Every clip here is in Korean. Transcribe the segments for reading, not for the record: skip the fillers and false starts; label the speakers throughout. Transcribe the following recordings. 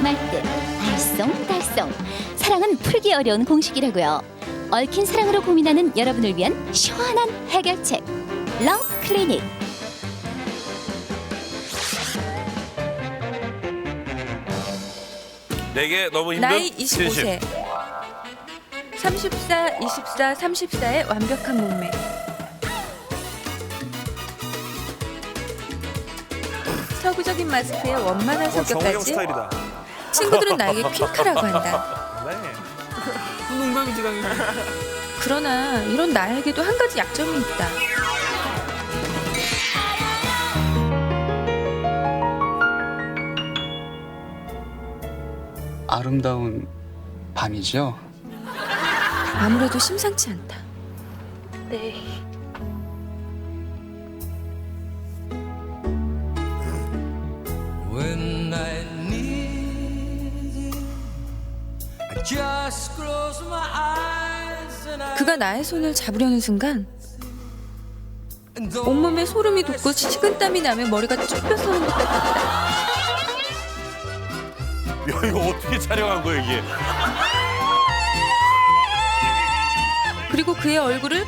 Speaker 1: 말듯 알쏭달쏭. 사랑은 풀기 어려운 공식이라고요. 얽힌 사랑으로 고민하는 여러분을 위한 시원한 해결책. 러브 클리닉.
Speaker 2: 내게 너무 힘든
Speaker 3: 나이 25세. 34, 24, 34의 완벽한 몸매. 서구적인 마스크에 원만한
Speaker 4: 정우영
Speaker 3: 성격까지
Speaker 4: 스타일이다.
Speaker 3: 친구들은 나에게 퀸카라고 한다.
Speaker 4: 네.
Speaker 5: 농담이지 당연히.
Speaker 3: 그러나 이런 나에게도 한 가지 약점이 있다.
Speaker 5: 아름다운 밤이죠.
Speaker 3: 아무래도 심상치 않다. 네.
Speaker 6: When I need you, I just close my eyes and I
Speaker 3: 그가 나의 손을 잡으려는 순간
Speaker 6: and don't
Speaker 3: 온몸에 소름이 돋고 식은땀이 나며 머리가 쭉 펴서는 것 같다.
Speaker 2: 야, 이거 어떻게 촬영한 거야 이게?
Speaker 3: 그리고 그의 얼굴을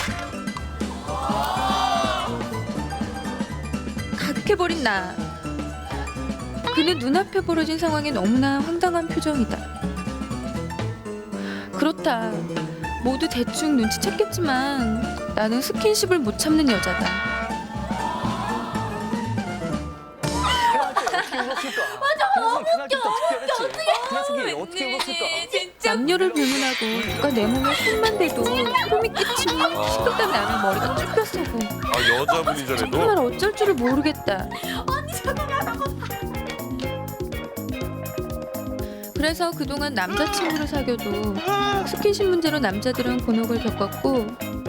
Speaker 3: 가득해버린 나. 그는 눈앞에 벌어진 상황에 너무나 황당한 표정이다. 그렇다. 모두 대충 눈치챘겠지만 나는 스킨십을 못 참는 여자다. 남녀를 불문하고 누가 내 몸에 손만 대도 소름이 끼치고 식은땀 나면 머리가 쭉 펴서고
Speaker 2: 아, 여자분이
Speaker 3: 정말
Speaker 2: 전에도
Speaker 3: 어쩔 줄을 모르겠다. 그래서 그동안 남자친구를 사귀어도 스킨십 문제로 남자들은 곤혹을 겪었고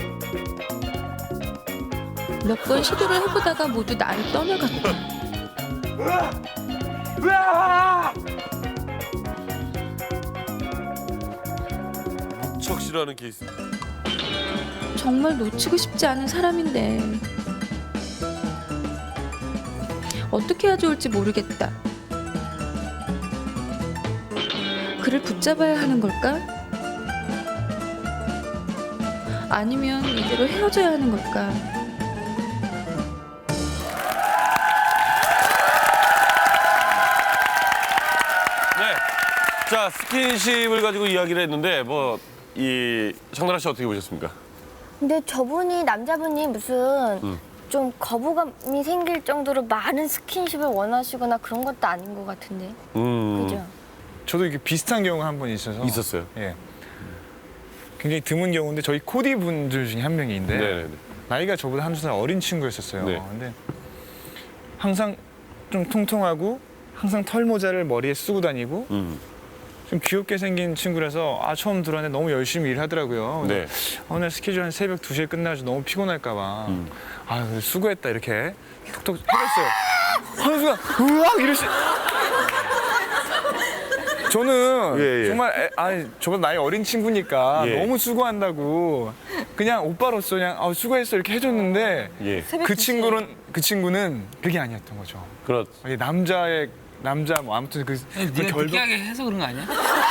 Speaker 3: 몇 번 시도를 해보다가 모두 나를 떠나갔다.
Speaker 2: 무척 싫어하는 케이스.
Speaker 3: 정말 놓치고 싶지 않은 사람인데 어떻게 해야 좋을지 모르겠다. 그를 붙잡아야 하는 걸까? 아니면 이대로 헤어져야 하는 걸까?
Speaker 2: 네. 자, 스킨십을 가지고 이야기를 했는데 뭐 이 정나라 씨 어떻게 보셨습니까?
Speaker 7: 근데 저분이 남자분이 무슨 좀 거부감이 생길 정도로 많은 스킨십을 원하시거나 그런 것도 아닌 것 같은데. 그죠?
Speaker 4: 저도 이렇게 비슷한 경우가 한 번 있어서.
Speaker 2: 있었어요.
Speaker 4: 예. 굉장히 드문 경우인데 저희 코디 분들 중에 한 명인데
Speaker 2: 네.
Speaker 4: 나이가 저보다 한두 살 어린 친구였었어요.
Speaker 2: 네.
Speaker 4: 근데 항상 좀 통통하고 항상 털모자를 머리에 쓰고 다니고 좀 귀엽게 생긴 친구라서 처음 들어왔는데 너무 열심히 일하더라고요.
Speaker 2: 네.
Speaker 4: 오늘 스케줄 한 새벽 2시에 끝나서 너무 피곤할까 봐. 그래서 수고했다 이렇게 톡톡 해줬어요. 하는 순간 으악 이러시. 저는
Speaker 2: 예.
Speaker 4: 정말 저보다 나이 어린 친구니까
Speaker 2: 예.
Speaker 4: 너무 수고한다고 그냥 오빠로서 그냥 수고했어 이렇게 해줬는데
Speaker 2: 예.
Speaker 4: 그 친구는 그게 아니었던 거죠.
Speaker 2: 그렇.
Speaker 4: 이게 남자 뭐 아무튼 그
Speaker 5: 네가 느끼하게 해서 그런 거 아니야?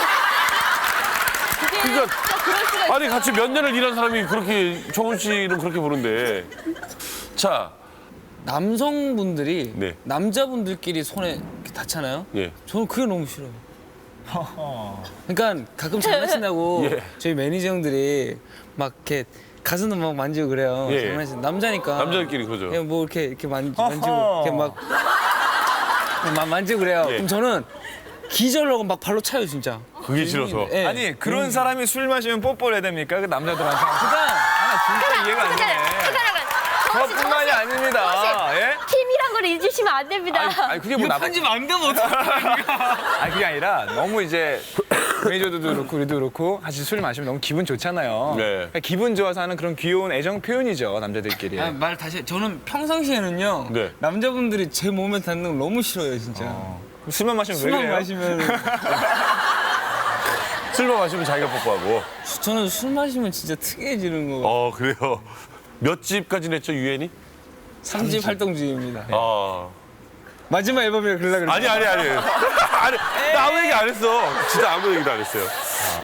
Speaker 2: 그러니까 아니 같이 몇 년을 일한 사람이 그렇게 정훈 씨는 그렇게 보는데 자,
Speaker 5: 남성분들이
Speaker 2: 네.
Speaker 5: 남자분들끼리 손에 이렇게 닿잖아요.
Speaker 2: 예.
Speaker 5: 저는 그게 너무 싫어요. 그러니까 가끔 장난친다고
Speaker 2: 예.
Speaker 5: 저희 매니저 형들이 막 이렇게 가슴도 막 만지고 그래요.
Speaker 2: 예.
Speaker 5: 장난친 남자니까.
Speaker 2: 남자들끼리 그죠.
Speaker 5: 그냥 뭐 이렇게 만지고 이렇게 막 만지고 그래요.
Speaker 2: 예.
Speaker 5: 그럼 저는 기절하고 막 발로 차요 진짜.
Speaker 2: 그게 싫어서.
Speaker 5: 예.
Speaker 4: 아니 그런 사람이 술 마시면 뽀뽀를 해야 됩니까? 그 남자들한테.
Speaker 5: 그러니까
Speaker 4: 진짜 이해가 안 되네. 저뿐만이 아닙니다. 예?
Speaker 7: 팀이란 걸 잊으시면 안 됩니다.
Speaker 4: 아니 그게 뭐
Speaker 5: 이거 편집 안 되면 어떡해.
Speaker 4: 아니 그게 아니라 너무 이제 매니저도 그렇고 우리도 그렇고 같이 술 마시면 너무 기분 좋잖아요.
Speaker 2: 네.
Speaker 4: 그러니까 기분 좋아서 하는 그런 귀여운 애정 표현이죠 남자들끼리.
Speaker 5: 말 다시 해. 저는 평상시에는요
Speaker 2: 네.
Speaker 5: 남자분들이 제 몸에 닿는 걸 너무 싫어요 진짜.
Speaker 4: 술만 마시면 왜
Speaker 5: 술만
Speaker 4: 그래요?
Speaker 5: 마시면
Speaker 2: 술만 마시면 자기가 뽀뽀하고.
Speaker 5: 저는 술 마시면 진짜 특이해지는 거.
Speaker 2: 그래요. 몇 집까지 냈죠 유엔이?
Speaker 5: 3집 활동주의입니다.
Speaker 2: 아.
Speaker 5: 마지막 앨범이라 그러려고 그랬어.
Speaker 2: 아니. 아니, 나 아무 얘기 안 했어. 진짜 아무 얘기도 안 했어요.